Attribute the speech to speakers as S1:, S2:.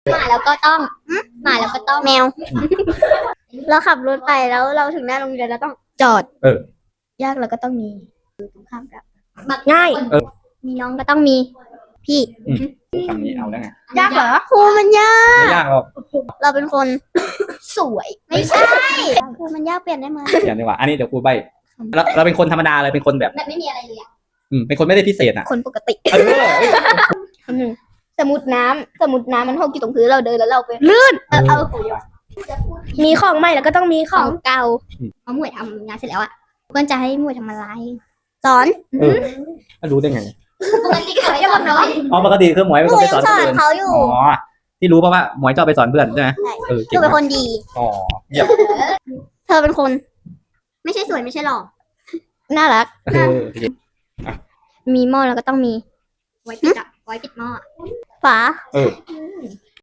S1: หมาแล้วก็ต้องหมาแล้วก็ต้องแมว เราขับรถไปแล้วเราถึงหน้าโรงเรียนเราต้องจอดยากเราก็ต้องมีตรงข้ามกับง่ายมีน้องก็ต้องมีพี่
S2: คำนี้เอาแล้วไง
S1: ยากเหรอครูมันยาก
S2: ไม่ยากหรอก
S1: เราเป็นคน สวยไม่ใช่ครูมันยากเปลี่ยนได้ไหม
S2: อย่างนี้ว่าอันนี้เดี๋ยวครูใบเราเป็นคนธรรมดาเลยเป็นคนแบบ
S1: แบบไม่มีอะไรเลยอ่ะ
S2: เป็นคนไม่ได้พิเศษอ่ะ
S1: คนปกติ
S2: เออ
S1: หนึ่งสมุดน้ำมันหกอยู่ตรงพื้นเราเดินแล้วเราไปลื่นเอามีของใหม่แล้วก็ต้องมีของเก่าเพราะหมวยทำงานเสร็จแล้วอ่ะเพื่อนจะให้หมวยทำอะไรสอน
S2: รู้ได้ไง
S1: ปกติเขาจะบอกน้อย
S2: อ๋อปกติคือหมวยเป็นคนไปสอน
S1: ส
S2: ค
S1: อน น
S2: อื่น
S1: เขาอยู่
S2: อ๋อที่รู้เพราะว่าหมวยชอบไปสอนเพื่อนใช่ไหมเออ
S1: เธ
S2: เก่ง
S1: อเป็นค
S2: มาก
S1: นดี
S2: อ๋อเยี่ยม
S1: เธอเป็นคน ไม่ใช่สวยไม่ใช่หล่อน่ารัก
S2: เออ
S1: มีหม้อแล้วก็ต้องมีไว้ปิดหม้อฝา
S2: เออ